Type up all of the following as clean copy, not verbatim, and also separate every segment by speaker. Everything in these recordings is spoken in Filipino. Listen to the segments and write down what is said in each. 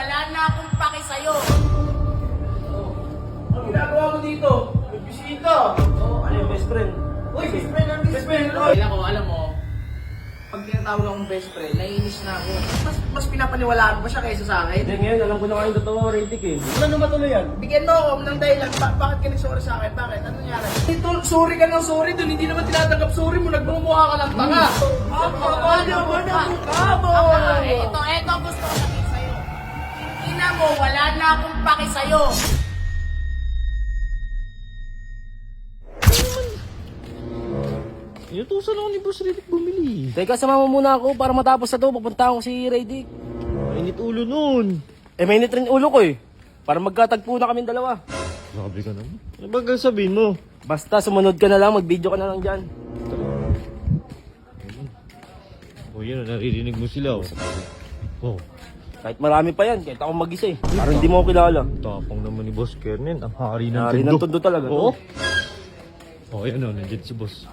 Speaker 1: wala na akong paki sa'yo.
Speaker 2: Ang ginagawa mo dito? May bisita.
Speaker 3: Ano yung best friend?
Speaker 2: Uy, best friend ang best friend.
Speaker 1: Alam mo, pag tinatawag akong best friend, naiinis na ako. Mas pinapaniwalaan pa siya kaysa sa akin.
Speaker 3: Hindi, ngayon alam ko na kayong totoo, Radic eh.
Speaker 2: Wala naman tuloy yan.
Speaker 1: Bigyan mo ako ng dahilan, bakit ka nag-sorry sa akin? Bakit? Ano nangyari? Ito, sorry ka ng sorry dun, hindi naman tinatanggap sorry mo, nagmumukha ka ng tanga.
Speaker 2: Ano ba na mukha mo?
Speaker 1: Ito gusto ko sabihin sa'yo. Ina mo, wala na akong paki sa'yo.
Speaker 4: Inutusan ako ni Boss Radic bumili.
Speaker 3: Teka, sama mo muna ako para matapos na to. Papunta ako si Radic.
Speaker 4: Mainit ulo nun.
Speaker 3: Mainit rin ulo ko eh. Para magkatagpo na kaming dalawa.
Speaker 4: Grabe ka naman. Ano ba sabihin mo?
Speaker 3: Basta sumunod ka na lang, mag-video ka na lang dyan.
Speaker 4: O yan, naririnig mo sila. Oh,
Speaker 3: Kahit marami pa yan, kahit ako mag-isa eh. Parang hindi mo ako kilala.
Speaker 4: tapang naman ni Boss Kernen. Ang hari ng
Speaker 3: Hari ng tundo talaga.
Speaker 4: Oo. Oh, yan o, nandiyan si Boss.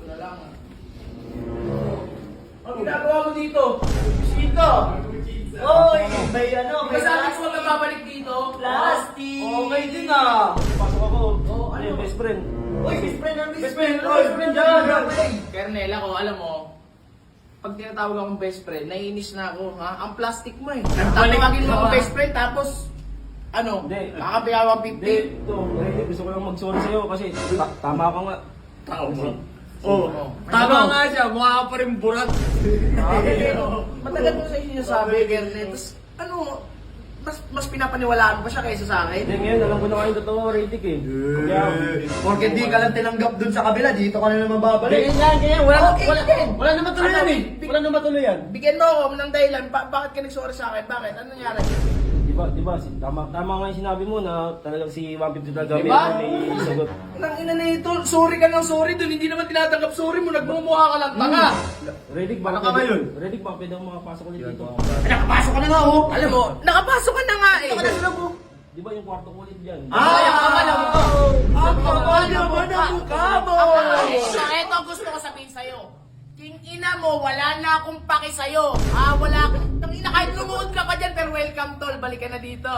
Speaker 2: Ang ginagawa mo dito? May bisita. Oy, may ano, may
Speaker 1: Masabi ko na babalik dito.
Speaker 2: plastic. Okay din ah.
Speaker 3: Pasok ako. Ano yung best friend?
Speaker 2: Uy, best friend ang best friend. Best friend dyan.
Speaker 1: Kernel, ako, alam mo, pag tinatawag akong best friend, naiinis na ako, ha? Ang plastic mo eh. Tatawagin mo akong best friend, tapos, ano,
Speaker 3: Hindi.
Speaker 1: kakapiyawang 50.
Speaker 3: Ito, Radic, gusto ko lang mag-sorry sa'yo kasi tama ka nga.
Speaker 1: Tao mo.
Speaker 2: Oh, tama nga siya. Mukha ka pa rin burat.
Speaker 1: Matagal mo sa inyo sabi, Kernel. Tapos, ano, mas pinapaniwalaan pa siya kaysa sa akin.
Speaker 3: Hindi, ngayon alam ko na kayong totoo, Radic eh. Kaya,
Speaker 2: Porque di ka lang tinanggap dun sa kabila, dito ka na naman babalik.
Speaker 3: ganyan.
Speaker 2: Wala naman tuloy yan eh. Wala naman tuloy yan.
Speaker 1: Bigyan mo ako ng dahilan, bakit ka nag-sorry sa akin? Bakit? Ano nangyari?
Speaker 3: Diba, tama nga yung sinabi mo na talagang si 150 talaga
Speaker 1: Diba?
Speaker 3: may sagot.
Speaker 1: Nang ina na ito, sorry ka ng sorry dun, hindi naman tinatanggap sorry mo, nagmumukha ka ng tanga.
Speaker 3: Radic,
Speaker 2: Ano ka ngayon?
Speaker 3: Radic, baka pwede akong makapasok ulit dito.
Speaker 2: Nakapasok ka na nga oh.
Speaker 1: Alam mo, nakapasok ka na nga eh.
Speaker 2: Ito ka na sila mo.
Speaker 3: Di ba yung kwarto ko ulit dyan?
Speaker 1: Sayang ka ba na mukha?
Speaker 2: Ang kapal naman ang mukha mo.
Speaker 1: Ito gusto ko sabihin sa'yo. King ina mo, wala na akong paki sa'yo. Wala akong... Tangina, kahit lumuod ka pa dyan, pero welcome tol, balik ka na dito.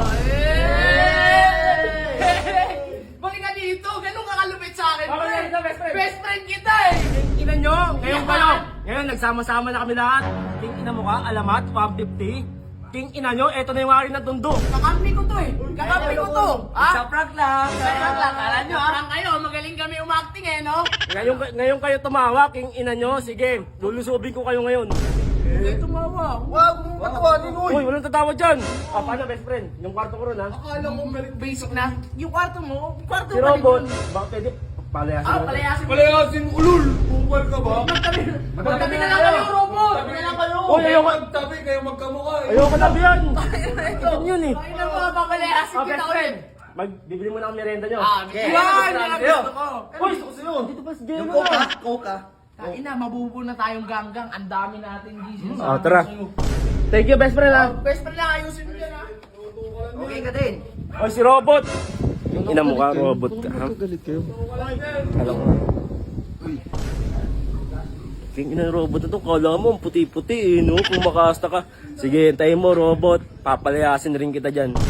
Speaker 1: Balik ka dito, ganun ka kalupit sa akin.
Speaker 3: Bakit
Speaker 1: pre.
Speaker 3: ganito, best friend?
Speaker 1: Best friend kita eh.
Speaker 3: Ina nyo, ngayon nagsama-sama na kami lahat. King ina mo ka, alamat, 150. King ina nyo, eto na yung hari na tundo.
Speaker 1: Kakampi ko to eh. Kakampi ko to.
Speaker 2: Sa prank lang.
Speaker 1: Sayang lang, kala nyo parang kayo, magaling kami umacting eh, no?
Speaker 3: Ngayon kayo tumawa, king ina nyo, sige, lulusubin ko kayo ngayon.
Speaker 1: Hindi tumawa.
Speaker 2: Wag mo patawanin mo.
Speaker 3: Uy, walang tatawa dyan. Paano best friend? Yung kwarto ko ron ha?
Speaker 1: Akala ko basic na. Yung kwarto mo, kwarto
Speaker 3: Si Robot, baka pwede palayasin mo.
Speaker 1: palayasin mo.
Speaker 2: Palayasin ulul. Bukal ka ba?
Speaker 1: Magtabi na lang kami robot.
Speaker 2: Sabi na lang kayo.
Speaker 3: Uy, ayoko.
Speaker 2: Magtabi kayo magkamukha eh.
Speaker 3: Ayoko na yan. Ganyan yun eh.
Speaker 1: Ay na mga papalayasin kita
Speaker 3: Best
Speaker 1: ulit.
Speaker 3: friend, bibili mo na ang merienda nyo.
Speaker 1: Yan, yan ang gusto ko.
Speaker 3: Uy, gusto ko sa'yo. Dito ba si Jemo
Speaker 2: Yung coke
Speaker 3: na?
Speaker 2: ah. Coke ah.
Speaker 1: Ina, mabubuo na tayong ganggang. Ang dami natin, Jesus.
Speaker 3: Tara. Thank you, best friend ha.
Speaker 1: Best friend lang, ayusin mo yan ha.
Speaker 2: Okay ka din.
Speaker 3: Oy, si Robot. Yung ina mo ka, Robot ka ha.
Speaker 4: Galit kayo.
Speaker 3: Alam mo. King ina Robot na to, kala mo ang puti-puti eh, no? Kung makasta ka. Sige, hintayin mo, Robot. Papalayasin rin kita dyan.